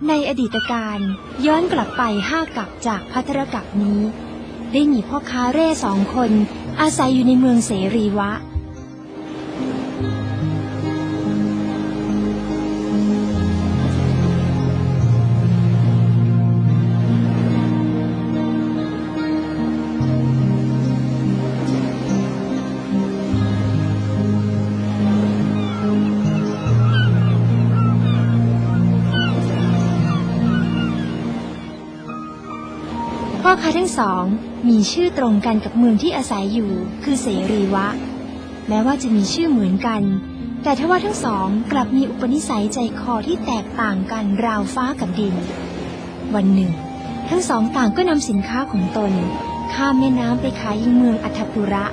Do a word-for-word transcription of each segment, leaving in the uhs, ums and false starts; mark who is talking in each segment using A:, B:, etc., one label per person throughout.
A: ในอดีตการย้อนกลับไปห้ากัปจากภัทรกัปนี้ได้มีพ่อค้าเร่สองคนอาศัยอยู่ในเมืองเสรีวะพ่อค้าทั้งสองมีชื่อตรงกันกับเมืองที่อาศัยอยู่คือเสรีวะแม้ว่าจะมีชื่อเหมือนกันแต่ทว่าทั้งสองกลับมีอุปนิสัยใจคอที่แตกต่างกันราวฟ้ากับดินวันหนึ่งทั้งสองต่างก็นำสินค้าของตนข้ามแม่น้ำไปขายยังเมืองอัฏฐปุระ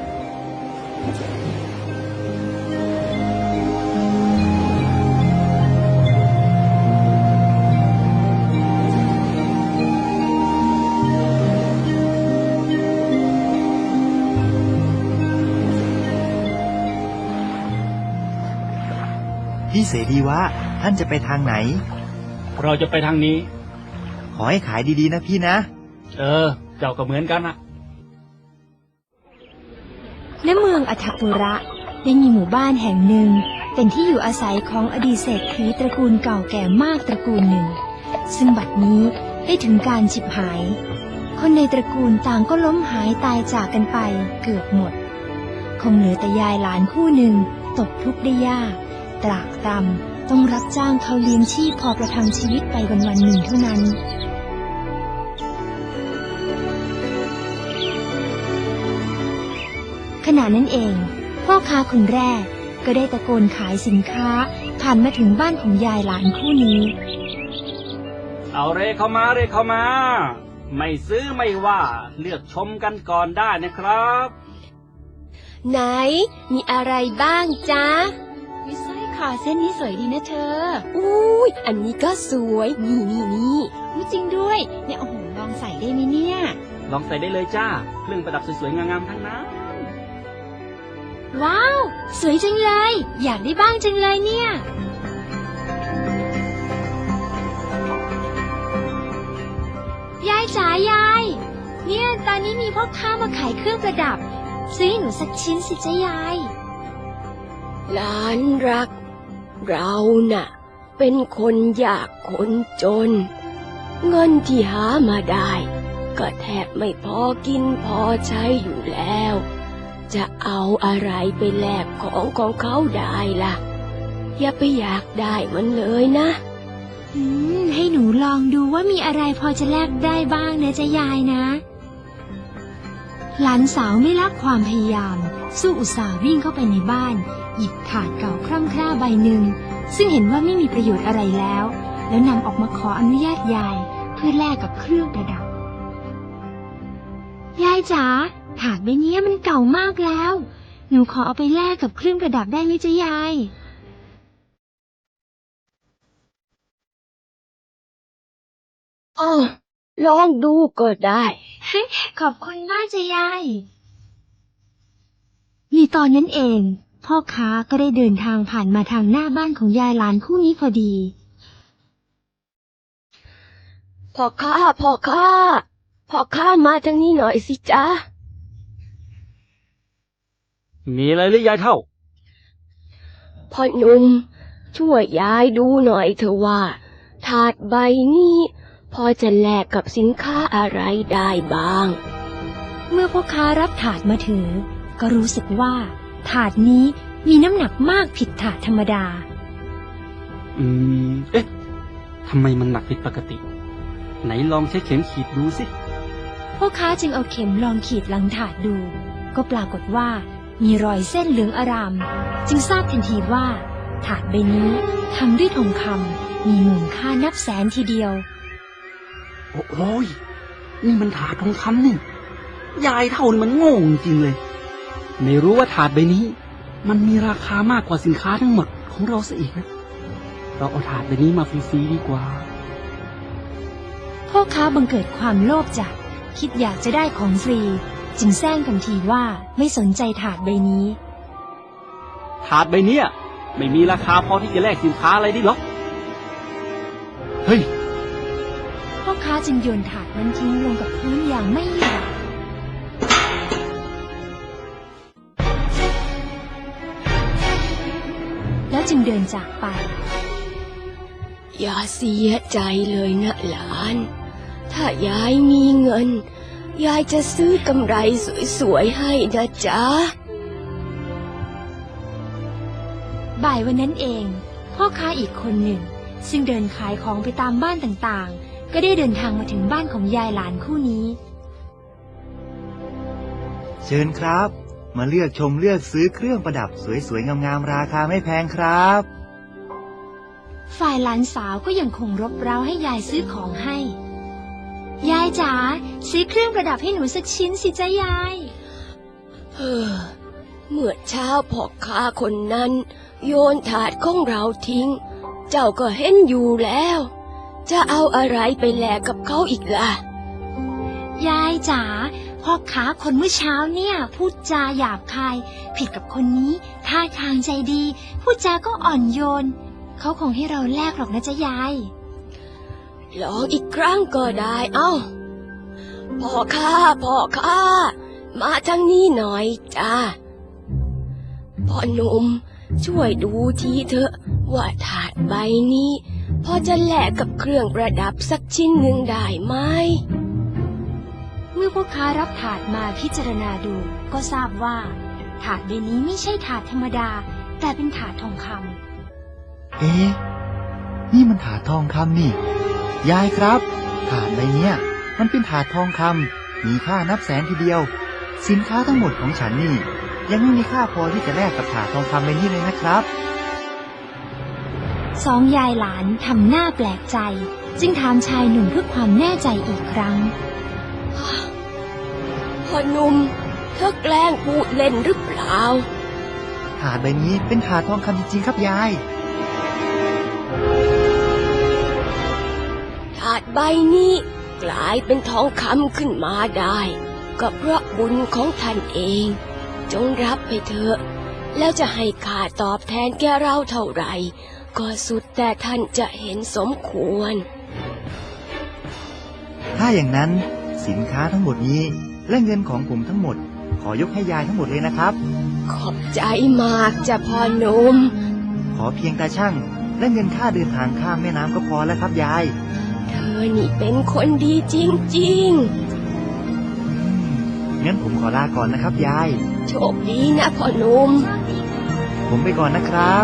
B: พี่เสรีวะท่านจะไปทางไหน
C: เราจะไปทางนี้
B: ขอให้ขายดีๆนะพี่นะ
C: เออเจ้าก็เหมือนกันนะ
A: ณเมืองอัฏฐปุระได้มีหมู่บ้านแห่งหนึ่งเป็นที่อยู่อาศัยของอดีตเศรษฐีตระกูลเก่าแก่มากตระกูลหนึ่งซึ่งบัดนี้ได้ถึงการฉิบหายคนในตระกูลต่างก็ล้มหายตายจากกันไปเกือบหมดคงเหลือแต่ยายหลานคู่หนึ่งตกทุกข์ได้ยากตรากตรำต้องรับจ้างเขาเลี้ยงชีพพอประทังชีวิตไปวันวันหนึ่งเท่านั้นขณะนั้นเองพ่อค้าคนแรกก็ได้ตะโกนขายสินค้าผ่านมาถึงบ้านของยายหลานคู่นี้
C: เอาเรเข้ามาเรเข้ามาไม่ซื้อไม่ว่าเลือกชมกันก่อนได้นะครับ
D: ไหนมีอะไรบ้างจ๊ะ
A: วิสร้อยคอเส้นนี้สวยดีนะเธอ
D: อุ้ยอันนี้ก็สวยนี่นี่นี่
A: จริงด้วยเนี่ยโอ้โหลองใส่ได้ไหมเนี่ย
C: ลองใส่ได้เลยจ้าเครื่องประดับสวยๆงามๆทั้งนั้น
A: ว้าวสวยจังเลยอยากได้บ้างจังเลยเนี่ยยายจ๋ายายเนี่ยตอนนี้มีพ่อค้ามาขายเครื่องประดับซื้อให้หนูสักชิ้นสิจ๊ะยาย
D: หลานรักเราน่ะเป็นคนยากคนจนเงินที่หามาได้ก็แทบไม่พอกินพอใช้อยู่แล้วจะเอาอะไรไปแลกของของเขาได้ล่ะอย่าไปอยากได้มันเลยนะ
A: อืมให้หนูลองดูว่ามีอะไรพอจะแลกได้บ้างนะจ๊ะยายนะหลานสาวไม่ละความพยายามสู้อุตส่าห์วิ่งเข้าไปในบ้านหยิบถาดเก่าคร่ำคร่าใบหนึ่งซึ่งเห็นว่าไม่มีประโยชน์อะไรแล้วแล้วนำออกมาขออนุญาตยายเพื่อแลกกับเครื่องประดับยายจ๋าถาดใบนี้มันเก่ามากแล้วหนูขอเอาไปแลกกับเครื่องประดับได้ไหมจ๊ะยาย
D: อ๋อลองดูก็ได้
A: ขอบคุณมากจ๊ะยายในตอนนั้นเองพ่อค้าก็ได้เดินทางผ่านมาทางหน้าบ้านของยายหลานคู่นี้พอดี
D: พ่อค้าพ่อค้าพ่อค้ามาทางนี้หน่อยสิจ๊ะ
C: มีอะไรหรือยายเท่า
D: พ่อหนุ่มช่วยยายดูหน่อยเถอะว่าถาดใบนี้พอจะแลกกับสินค้าอะไรได้บ้าง
A: เมื่อพ่อค้ารับถาดมาถือก็รู้สึกว่าถาดนี้มีน้ำหนักมากผิดถาดธรรมดา
C: อืมเอ๊ะทำไมมันหนักผิดปกติไหนลองใช้เข็มขีดดูสิ
A: พ่อค้าจึงเอาเข็มลองขีดหลังถาดดูก็ปรากฏว่ามีรอยเส้นเหลืองอารามจึงทราบทันทีว่าถาดใบนี้ทำด้วยทองคำมีมูลค่านับแสนทีเดียว
C: โอ้ยนี่มันถาดทองคำนี่ยายเท่านี่มันโง่จริงเลยไม่รู้ว่าถาดใบนี้มันมีราคามากกว่าสินค้าทั้งหมดของเราซะอีกนะเราเอาถาดใบนี้มาฟรีๆดีกว่า
A: พ่อค้าบังเกิดความโลภจัดคิดอยากจะได้ของฟรีจึงแซงทันทีว่าไม่สนใจถาดใบนี้
C: ถาดใบนี้ไม่มีราคาพอที่จะแลกสินค้าอะไรได้หรอก
B: เฮ้ย
A: พ่อค้าจึงโยนถาดนั้นทิ้งลงกับพื้นอย่างไม่หยุดแล้วจึงเดินจากไป
D: อย่าเสียใจเลยนะหลาน ถ้ายายมีเงิน ยายจะซื้อกำไรสวยๆให้นะจ๊ะ
A: บ่ายวันนั้นเอง พ่อค้าอีกคนหนึ่ง ซึ่งเดินขายของไปตามบ้านต่างๆ ก็ได้เดินทางมาถึงบ้านของยายหลานคู่นี้
B: เชิญครับ มาเลือกชมเลือกซื้อเครื่องประดับสวยๆงามๆราคาไม่แพงครับ
A: ฝ่ายหลานสาวก็ยังคงรบเร้าให้ยายซื้อของให้ ยายจ๋าซื้อเครื่องประดับให้หนูสักชิ้นสิจ๊ะยาย
D: เฮ้อเมื่อเช้าพ่อค้าคนนั้น โยนถาดของเราทิ้ง เจ้าก็เห็นอยู่แล้ว จะเอาอะไรไปแลกกับเขาอีกล่ะ
A: ยายจ๋าพ่อค้าคนเมื่อเช้าเนี่ยพูดจาหยาบคาย ผิดกับคนนี้ท่าทางใจดีพูดจาก็อ่อนโยนเขาคงให้เราแลกหรอกนะจ๊ะยาย
D: ลองอีกครั้งก็ได้เอ้าพ่อค้าพ่อค้ามาทางนี้หน่อยจ้าพ่อหนุ่มช่วยดูทีเถอะว่าถาดใบนี้พอจะแลกกับเครื่องประดับสักชิ้นหนึ่งได้ไหม
A: เมื่อพ่อค้ารับถาดมาพิจารณาดูก็ทราบว่า ถาดใบนี้ไม่ใช่ถาดธรรมดา แต่เป็นถาดทองคำ
B: เอ๊ะ นี่มันถาดทองคำนี่ ยายครับ ถาดใบเนี้ยมันเป็นถาดทองคำมีค่านับแสนทีเดียว สินค้าทั้งหมดของฉันนี่ ยังไม่มีค่าพอที่จะแลกกับถาดทองคำใบนี้เลยนะครับ
A: สองยายหลานทำหน้าแปลกใจ จึงถามชายหนุ่มเพื่อความแน่ใจอีกครั้ง
D: พ่อหนุ่มเธอแกล้งพูดเล่นหรือเปล่า
B: ถาดใบนี้เป็นถาดทองคำจริงๆครับยาย
D: ถาดใบนี้กลายเป็นทองคำขึ้นมาได้ก็เพราะบุญของท่านเอง จงรับไปเถอะแล้วจะให้ข้าตอบแทนแกเราเท่าไหร่ก็สุดแต่ท่านจะเห็นสมควร
B: ถ้าอย่างนั้นสินค้าทั้งหมดนี้และเงินของผมทั้งหมด ขอยกให้ยายทั้งหมดเลยนะครับ
D: ขอบใจมากจ้ะพ่อหนุ่ม
B: ขอเพียงตาช่างและเงินค่าเดินทางข้ามแม่น้ำก็พอแล้วครับยาย
D: เธอนี่เป็นคนดีจริง
B: งั้นผมขอลาก่อนนะครับยาย
D: ๆ โชคดีนะพ่อหนุ่ม
B: ผมไปก่อนนะครับ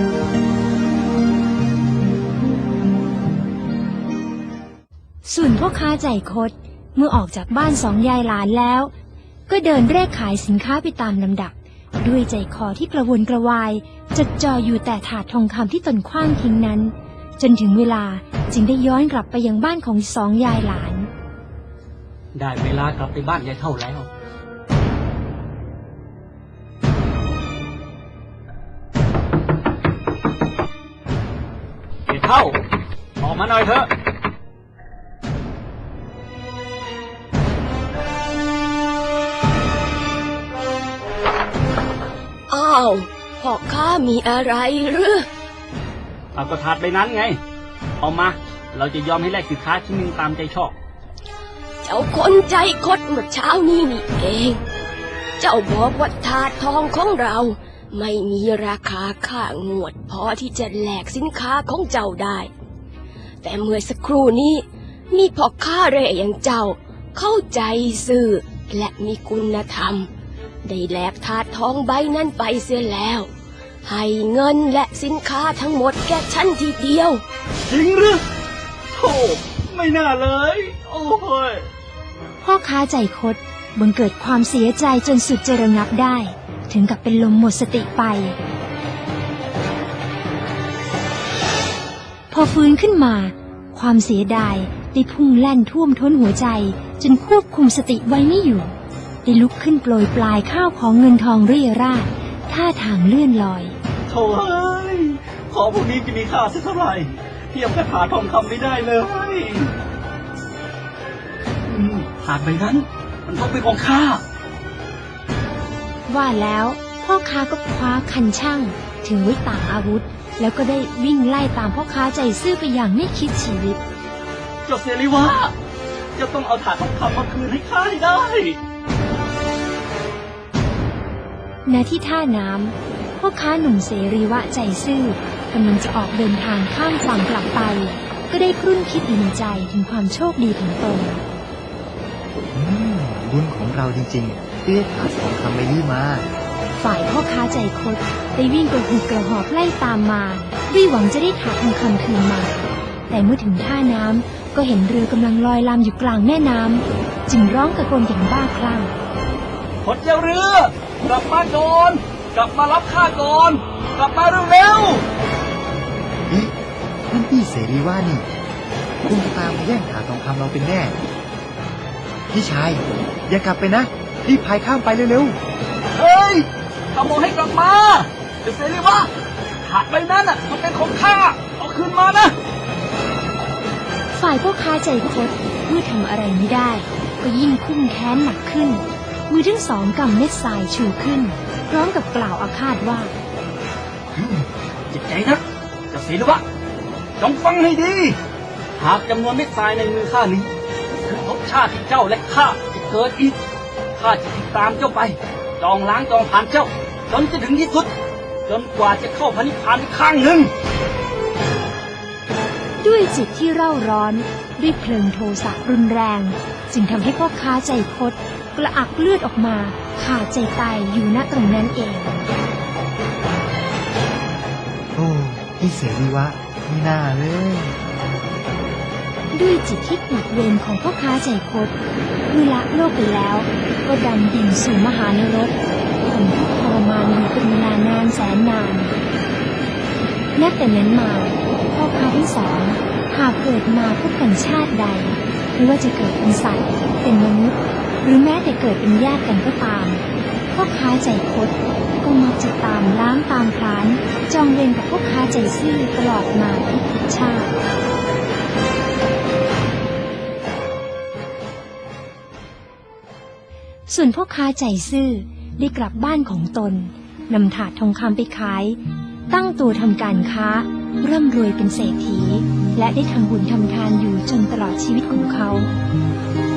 A: ส่วนพ่อค้าใจคดเมื่อออกจากบ้านสองยายหลานแล้ว ก็เดินเร่ขายสินค้าไปตามลำดับ ด้วยใจคอที่กระวนกระวายจดจ่ออยู่แต่ถาดทองคำที่ตนขว้างทิ้งนั้น จนถึงเวลาจึงได้ย้อนกลับไปยังบ้านของสองยายหลาน
C: ได้เวลากลับไปบ้านยายเท่าแล้วยายเท่าออกมาหน่อยเถอะ
D: อ้าวพ่อค้ามีอะไรหรือ
C: เอาก็ถาดใบนั้นไง เอามา เราจะยอมให้แลกสินค้าชิ้นหนึ่งตามใจชอบ
D: เจ้าคนใจคดเมื่อเช้านี้นี่เอง เจ้าบอกว่าถาดทองของเราไม่มีราคาค่างวดพอที่จะแลกสินค้าของเจ้าได้ แต่เมื่อสักครู่นี้มีพ่อค้าเร่อย่างเจ้าเข้าใจซื่อและมีคุณธรรม ได้แลกถาดทองใบนั้นไปเสียแล้ว ให้เงินและสินค้าทั้งหมดแก่ฉันทีเดียว
C: จริงหรือโธ่ไม่น่าเลย โอ้ย
A: พ่อค้าใจคดบังเกิดความเสียใจจนสุดจะระงับได้ ถึงกับเป็นลมหมดสติไป พอฟื้นขึ้นมา ความเสียดายได้พุ่งแล่นท่วมท้นหัวใจจนควบคุมสติไว้ไม่อยู่ได้ลุกขึ้นโปรยปลายข้าวของเงินทองเรี่ยราดท่าทางเลื่อนลอย
C: โถ่เอ้ยของพวกนี้จะมีค่าสักเท่าไหร่เทียบกับถาดทองคำไม่ได้เลยอืมถาดใบนั้น มันต้องเป็นของข้า
A: ว่าแล้วพ่อค้าก็คว้าคันช่างถือไว้ต่างอาวุธ แล้วก็ได้วิ่งไล่ตามพ่อค้าใจซื่อไปอย่างไม่คิดชีวิต
C: เจ้าเสรีวะจะต้องเอาถาดทองคำมาคืนให้ข้าให้ได้
A: ณที่ท่าน้ำพ่อค้าหนุ่มเสรีวะใจซื่อกำลังจะออกเดินทางข้ามฝั่งกลับไป ก็ได้ครุ่นคิดอยู่ในใจถึงความโชคดีของตน
B: อืมบุญของเราจริงๆที่ได้ถาดทองคำใบนี้มา
A: ฝ่ายพ่อค้าใจคดได้วิ่งกระหืดกระหอบไล่ตามมาด้วยหวังจะได้ถาดทองคำคืนมา แต่เมื่อถึงท่าน้ำก็เห็นเรือกำลังลอยลำอยู่กลางแม่น้ำจึงร้องตะโกนอย่างบ้าคลั่ง
C: คนเจ้าเรือกลับมาก่อนกลับมารับข้าก่อนกลับมาเร็ว
B: นี่นั่นพี่เสรีว่านี่คงจะตามมาแย่งถาดทองคำเราเป็นแน่ พี่ชายอย่ากลับไปนะรีบพายข้ามไปเร็ว
C: ๆเฮ้ยขโมยให้กลับมาเจ้าเสรีวะถาดใบนั้นน่ะมันเป็นของข้าเอาคืนมานะ
A: ฝ่ายพ่อค้าใจคดเมื่อทำอะไรไม่ได้ ก็ยิ่งคุ้มแค้นหนักขึ้น มือทั้งสองกำเม็ดทรายชูขึ้น พร้อมกับกล่าวอาฆาตว่า
C: เจ็บใจนะเจ้าเสรีวะจงฟังให้ดี หากจำนวนเม็ดทรายในมือข้านี้คือรสชาติที่เจ้าและข้าจะเกิดอีกข้าจะติดตามเจ้าไปจองล้างจองผ่านเจ้าจนจะถึงที่สุดจนกว่าจะเข้าพระนิพพานอีกครั้งหนึ่ง
A: ด้วยจิตที่เร่าร้อนด้วยเพลิงโทสะรุนแรง จึงทำให้พ่อค้าใจคดกระอักเลือดออกมาขาดใจตายอยู่ณตรงนั้นเอง
B: ๆ โอ้พี่เสรีวะไม่น่าเลย
A: ด้วยจิตที่ปวดเวรของพ่อค้าใจคดเมื่อละโลกไปแล้วก็ดำดิ่งสู่มหานรกทนทุกข์ทรมานอยู่เป็นเวลานานแสนนานนับแต่นั้นมาพ่อค้าทั้งสองหากเกิดมาพบกันชาติใดไม่ว่าจะเกิดเป็นสัตว์เป็นมนุษย์หรือแม้แต่เกิดเป็นญาติกันก็ตามพ่อค้าใจคดก็มักจะตามล้างตามพลานจองเวรกับพ่อค้าใจซื่อตลอดมาทุกชาติส่วนพ่อค้าใจซื่อได้กลับบ้านของตนนำถาดทองคำไปขายตั้งตัวทำการค้าร่ำรวยเป็นเศรษฐีและได้ทำบุญทำทานอยู่จนตลอดชีวิตของเขา